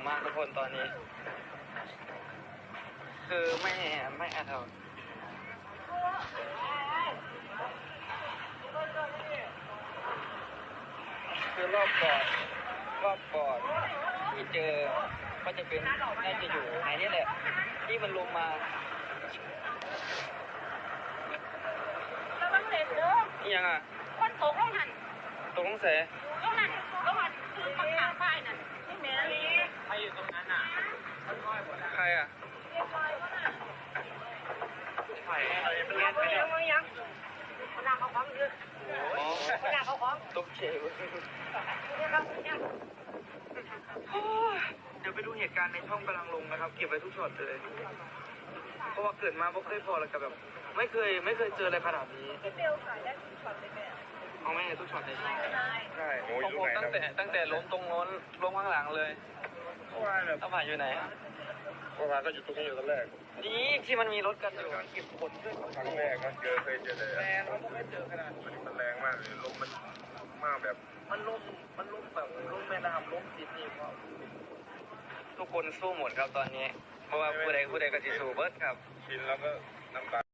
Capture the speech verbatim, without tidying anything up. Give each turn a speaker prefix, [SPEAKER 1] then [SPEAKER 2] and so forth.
[SPEAKER 1] มากทุกคนตอนนี้ คือไม่ไม่อาจจะคือรอบก่อนรอบก่อนที่เจอก็จะเป็นน่าจะอยู่ไหนนี่แหละที่มันลงมา
[SPEAKER 2] ระวังเล็บเด้อ
[SPEAKER 1] นี่ยังอ่ะ
[SPEAKER 2] คนตกลงหัน
[SPEAKER 1] ตรงเส
[SPEAKER 2] ลงหันลงหันคือปักขาป้ายนั่นนี่แม่
[SPEAKER 1] ใครอยู่ตรงนั้นอ่ะใครอ่ะใครอะไรเป็นเล่นไปเนี่ย
[SPEAKER 2] ยังคนหนักเขาของเยอะ
[SPEAKER 1] อ๋อ
[SPEAKER 2] คนหนักเขาของ
[SPEAKER 1] ตกเฉยเดี๋ยวไปดูเหตุการณ์ในช่องกำลังลงนะครับเก็บไว้ทุกช็อตเลยเพราะว่าเกิดมาไม่เคยพอแล้วกับแบบไม่เคยไม่เคยเจออะไรขนาดนี้
[SPEAKER 2] เบลขายได้ทุกช็อตเลยแม่
[SPEAKER 1] เอาไม่ทุกช็อตเลยใช่ใช่
[SPEAKER 3] โอ้ย
[SPEAKER 1] ของผมตั้งแต่ตั้งแต่ล้มตรงโน้นล้มข้างหลังเลยต้องผ่านอยู่ไหน
[SPEAKER 3] เพราะว่าก็อยู่ตรงนี้อยู่ตอนแรก
[SPEAKER 1] นี่ที่มันมีรถกันอยู่เก็บขนด้วย
[SPEAKER 3] ครั้งแรกก็เจอเคยเจอเลย
[SPEAKER 1] แรงเราก็ไม่เจอขนาดนี้
[SPEAKER 3] มันแรงมากเลยลมมันมากแบบ
[SPEAKER 1] มันล้มมันล้มแบบล้มแม่น้ำล้มจีนี่ก็ทุกคนสู้หมดครับตอนนี้เพราะว่าผู้ใดผู้ใดก็จะสู้เบิร์ดครับ
[SPEAKER 3] ชินแล้วก็น้ำตา